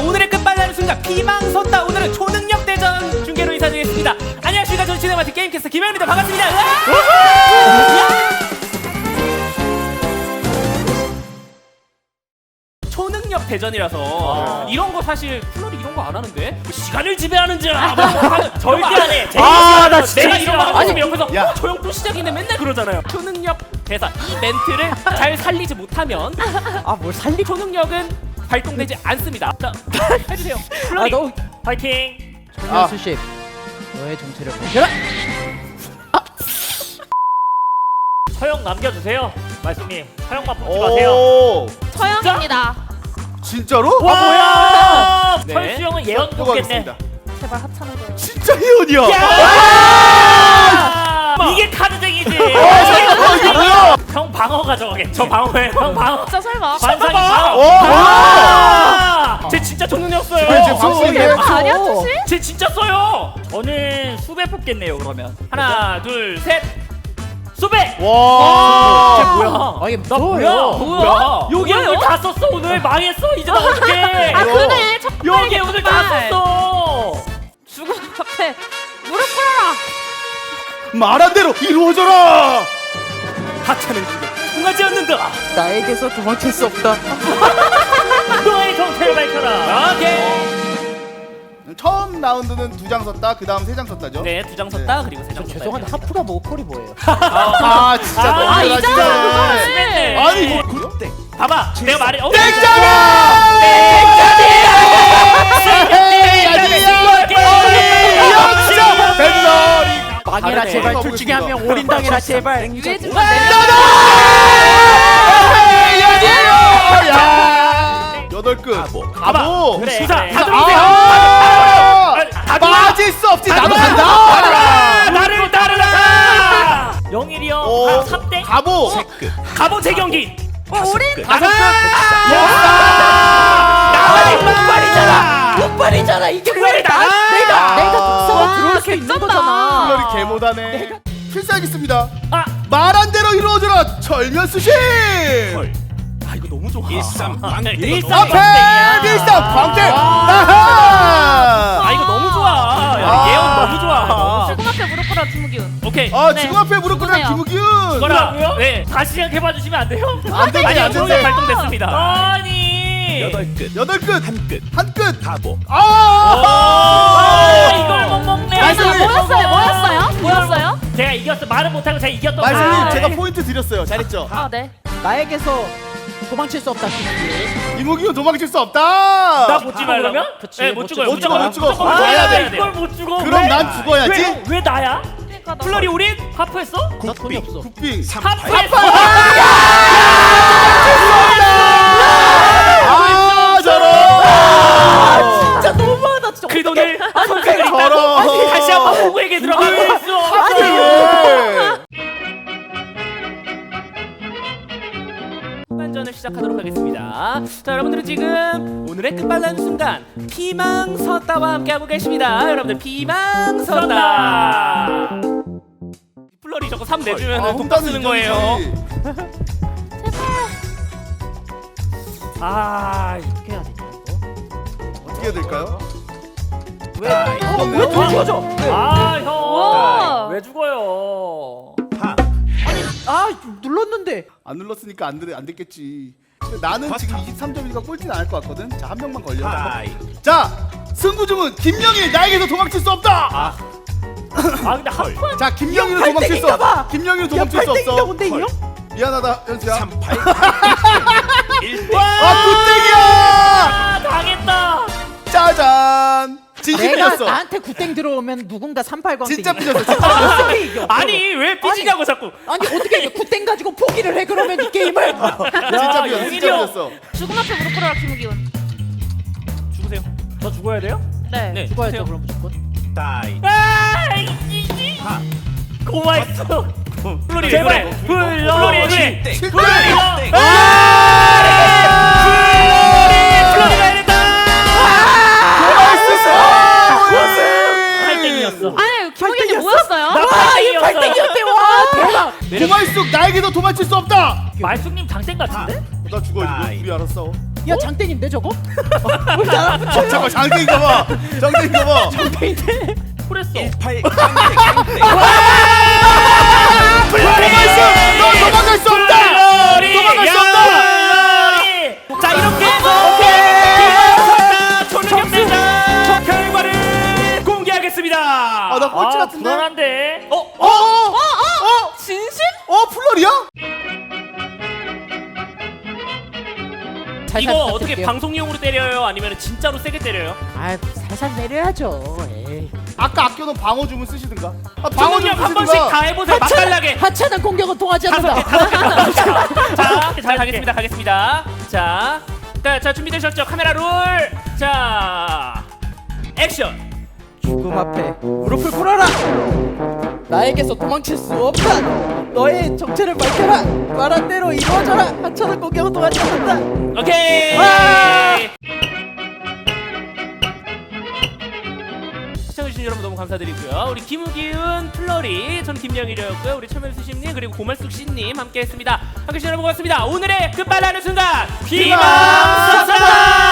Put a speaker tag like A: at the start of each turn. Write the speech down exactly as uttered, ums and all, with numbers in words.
A: 오늘의 끝발라는 순간 피망 섰다. 오늘은 초능력 대전 중계로 인사드리겠습니다. 안녕하십니까. 저는 진행 맡은 게임캐스터 김현입니다. 반갑습니다. 초능력 대전이라서 아. 이런 거 사실 플로리 이런 거 안 하는데 뭐 시간을 지배하는 자 뭐 절대 안 해.
B: 아, 나 진짜
A: 내가 이런 거 하고 있으면 옆에서
B: 야.
A: 어, 조용 또 시작이네 맨날 그러잖아요. 초능력 대사 이 멘트를 잘 살리지 못하면
B: 아 뭘 살리?
A: 초능력은 발동되지 않습니다. 자, 해주세요. 플로리
B: 아, 너
A: 파이팅.
B: 아. 수십 너의 정체를 밝혀라.
C: 서영 남겨주세요. 말씀님 서영만 뽑지 마세요.
D: 오,
E: 서영입니다.
D: 진짜로?
C: 와 뭐야?
A: 네.
C: 설수 형은 예언 뽑겠네.
D: 뽑아가겠습니다.
E: 제발 하찮은 거.
D: 진짜 희연이야.
C: 이게 카드쟁이지.
D: 어, 이게 뭐야?
C: 형 방어가 저게. 저 방어해. 형 방어.
E: 진짜 설마?
C: 관상이
D: 오,
C: 방어.
D: 뭐야?
C: 아! 쟤 진짜 초능력 써요.
D: 쟤 지금 확실히
E: 아, 아니야, 투시?
C: 쟤 진짜 써요. 저는 수배 뽑겠네요 그러면.
A: 하나 둘 셋.
C: 수배.
D: 와.
A: 쟤 뭐야?
B: 아 이게
C: 나 뭐야?
A: 뭐야?
C: 여기 오늘 다 썼어 오늘 망했어 이제 나 어떡해.
E: 아 그래. 첫
C: 여기 오늘 다 썼어.
E: 죽음 앞에 무릎 꿇어라.
D: 말한 대로 이루어져라.
A: 하찮은 중계 통하지 않는다.
B: 나에게서 도망칠 수 없다.
C: 너의 정체를 밝혀라.
A: 오케이.
D: 처음 라운드는 두 장 썼다. 그 다음 세 장 썼다죠.
A: 네, 두 장 썼다. 그리고 세 장 썼다.
B: 죄송한데 하프가 모콜이 뭐예요?
D: 아, 진짜
C: 아,
D: 너무
E: 아,
D: 잘하시네.
E: 이잖아, 그거를.
C: 심했네.
D: 아니 이거 굿땡.
C: 봐봐 내가 말해. 어,
D: 땡장이야. 땡장이야. 벤더리.
B: 망해라
A: 다르네.
B: 제발. 둘 중에 한 명 올인당해라 제발.
E: 유해진만 내.
D: 야. 여덟 끝. 가보.
C: 그래,
A: 수사
C: 그래.
A: 다 들어오세요.
D: 아.
C: 다
D: 빠질 수 없지. 나도 간다.
C: 아, 나를 따르라. 영일이
D: 오.
C: 형 삼 대
D: 가보.
A: 가보 재경기.
E: 어 우린
A: 다섯 끝.
C: 나만이 목발이잖아.
B: 폭발이잖아 이게
A: 왜 나?
B: 내가 내가 독서가
E: 와,
B: 들어올 수 있는
E: 개쩐다.
B: 거잖아.
D: 플러리 개못하네. 필살기습니다.
C: 아.
D: 말한 대로 이루어져라. 철면 수신.
A: 아 이거 너무 좋아.
C: 일삼방땡.
D: 앞에 밀상 광대. 아하.
A: 아 이거 너무 좋아. 야,
D: 아.
A: 예언 너무 좋아.
E: 죽음 앞에 무릎 꿇어라 김우기훈.
A: 오케이.
D: 아
E: 네.
D: 지금 앞에 무릎 꿇는
E: 누구세요?
D: 김우균.
A: 뭐라고요? 네.
C: 다시 생각해봐 주시면 안 돼요?
D: 안 되지
A: 아니요,
D: 안
A: 초능력
D: 되지.
A: 발동됐습니다.
C: 아니
F: 여덟 끝,
D: 여덟 끝.
F: 한 끝,
D: 한 끝.
F: 가보.
D: 아.
C: 아, 이걸 못 먹네.
D: 말씀님.
E: 아, 뭐였어요? 뭐였어요? 뭐였어요?
C: 제가 이겼어. 말은 못하고 제가 이겼던
D: 말씀님
C: 아,
D: 제가
C: 네.
D: 포인트 드렸어요. 잘했죠.
E: 아 네.
B: 나에게서 도망칠 수 없다. 김우기.
D: 김우균 도망칠 수 없다.
C: 나못 죽어 그러면?
B: 그치,
C: 네,
B: 못
C: 못 죽어요.
D: 못 죽어, 못 죽어.
C: 무조건
D: 거기서 해야 돼.
C: 이걸 못 죽어.
D: 그럼
C: 왜?
D: 난 죽어야지.
C: 왜, 왜 나야?
E: 그러니까 나.
A: 플러리 우린
C: 하프했어?
B: 나 돈이 없어.
D: 국빙.
C: 하프했어.
D: 아 저런.
B: 진짜 너무하다 진짜.
A: 그 돈을
D: 어떻게 저런.
A: 다시 한번 호구에게 들어가고 있어.
D: 아니.
A: 후반전을 시작하도록 하겠습니다. 자, 여러분들은 지금 오늘의 끝발라는 순간 피망섰다와 함께하고 계십니다. 여러분들 피망섰다. 플러리 저거 삼 내주면
D: 아,
A: 돈 딱 쓰는
D: 홍단은
A: 거예요.
D: 인정이지.
C: 아,
B: 어떻게 해야 되냐 이거?
D: 어떻게 해야 될까요?
B: 왜? 어, 왜
D: 이거
B: 돌려줘?
C: 아,
E: 우와.
C: 형. 왜 죽어요?
B: 아 눌렀는데.
D: 안 눌렀으니까 안, 들, 안 됐겠지. 근데 나는 지금 이십삼 점이니까 꼴찌는 안 할 것 같거든. 자, 한 명만 걸려.
F: 하이.
D: 자, 승부중은 김영일 나에게서 도망칠 수 없다.
C: 아, 근데 하프
D: 자, 김영일은
B: 형
D: 도망칠 수
B: 팔등인가
D: 없어.
B: 봐.
D: 김영일은
B: 야
D: 도망칠 수
B: 팔등인가
D: 없어.
B: 본데 이 형?
D: 미안하다, 현수야.
F: 삼팔, 일 등.
D: 아, 굿땡이야.
C: 아, 당했다.
D: 짜잔.
B: 내가
D: 진심이었어.
B: 나한테 굿땡 들어오면 누군가 삼팔광
D: 진짜
B: 땡기네.
D: 삐졌어. 진짜
B: 어떻게 이겨?
A: 아니 왜 삐지냐고 자꾸.
B: 아니 어떻게 이겨? 굿땡 가지고 포기를 해 그러면 이 게임을.
D: 진짜 삐졌어. 진짜
C: 영일이 형.
D: 삐졌어.
E: 죽음 앞에 무릎 꿇어라 김우기훈.
A: 죽으세요.
C: 저 죽어야 돼요?
E: 네.
A: 네.
B: 죽어야죠 그럼 무조건.
F: 다이.
C: 아, 이지.
F: 하.
C: 고마했어.
A: 플러리 왜
C: 제발
A: 그래?
C: 불러.
A: 플러리 왜 그래?
F: 땡.
D: 칠등.
F: 땡.
A: 플러리가 이랬다.
C: 팔 등이었어.
E: 아니 김우기훈이 뭐였어요?
C: 나
B: 와 이거
C: 팔 등이었어.
B: 팔등이었대 와 대박.
D: 고말숙 나에게도 도망칠 수 없다.
C: 말숙님 장땡 같은데?
D: 나 죽어. 이거
F: 다이.
D: 우리 알았어.
B: 야 장땡인데 저거? 어, 우리 나랑
D: 어, 잠깐 장땡인가 봐. 장땡인가 봐.
C: 쿨했어.
F: 일팔 깡패 깡패.
D: 도망갈 수, 너 도망갈 수 없다. 도망갈 수 없다.
A: 자 이렇게 해서 오케이 초능력 대상 결과를 공개하겠습니다.
D: 아, 나 꼴찌
C: 아,
D: 같은데.
C: 불안한데.
D: 어, 어, 어, 어,
E: 진심?
D: 어, 플러리야?
B: 살살
A: 이거 어떻게
B: 부탁드릴게요.
A: 방송용으로 때려요? 아니면 진짜로 세게 때려요?
B: 아 살살 내려야죠. 에이.
D: 아까 아껴놓은 방어 주문 쓰시든가. 아, 방어
A: 방어력
D: 주문
A: 한 번씩
D: 쓰시든가.
A: 다 해보세요. 맛깔나게.
B: 하찮은 공격은 통하지
A: 다섯 개,
B: 않는다.
A: 다섯 개, 다섯 개. 자, 자 가겠습니다, 가겠습니다. 자, 자, 자 준비되셨죠? 카메라 롤. 자, 액션.
B: 죽음 앞에 무릎을 꿇어라. 나에게서 도망칠 수 없다. 너의 정체를 밝혀라. 말한 대로 이루어져라. 하찮은 공격은 통하지 않는다.
A: 오케이.
B: 와!
A: 시청해주신 여러분 너무 감사드리고요. 우리 김우기은, 플러리, 전 김영일이었고요. 우리 천멜수심님 그리고 고말숙씨님 함께했습니다. 함께해주신 여러분 고맙습니다. 오늘의 끝발라는 순간
D: 희망
A: 희망 사사.